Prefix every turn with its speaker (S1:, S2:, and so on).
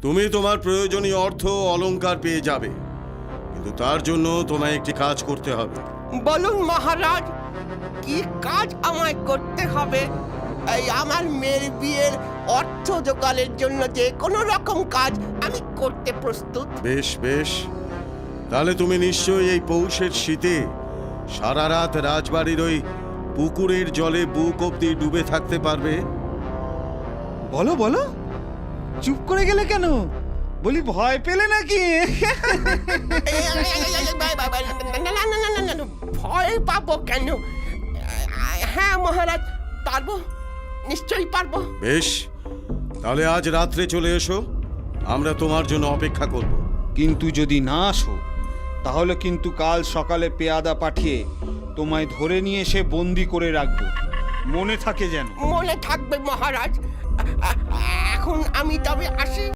S1: তুমি তোমার প্রয়োজনীয় অর্থ অলংকার পেয়ে যাবে, কিন্তু তার জন্য তোমায় একটি কাজ করতে হবে।
S2: বলুন মহারাজ, কি কাজ আমায় করতে হবে? এই আমার মেয়ের বিয়ের অর্থ জোগাড়ের জন্য যে কোনো রকম কাজ আমি করতে প্রস্তুত।
S1: বেশ বেশ, তাহলে তুমি নিশ্চয়ই এই পৌষের শীতে সারা রাত রাজবাড়ির ওই পুকুরের জলে বুক অব্দি ডুবে থাকতে পারবে।
S3: বলো বলো, চুপ করে গেলে কেন? বলি ভয় পেলে নাকি?
S2: না, ভয় পাবো কেন? হ্যাঁ মহারাজ, পারবো, নিশ্চয়ই পারবো।
S1: বেশ, তাহলে আজ রাত্রে চলে এসো, আমরা তোমার জন্য অপেক্ষা করব।
S3: কিন্তু যদি না আসো, তাহলে কিন্তু কাল সকালে পেয়াদা পাঠিয়ে তোমায় ধরে নিয়ে এসে বন্দি করে রাখবো, মনে থাকে যেন।
S2: মনে থাকবে মহারাজ। এখন আমি তবে আসি।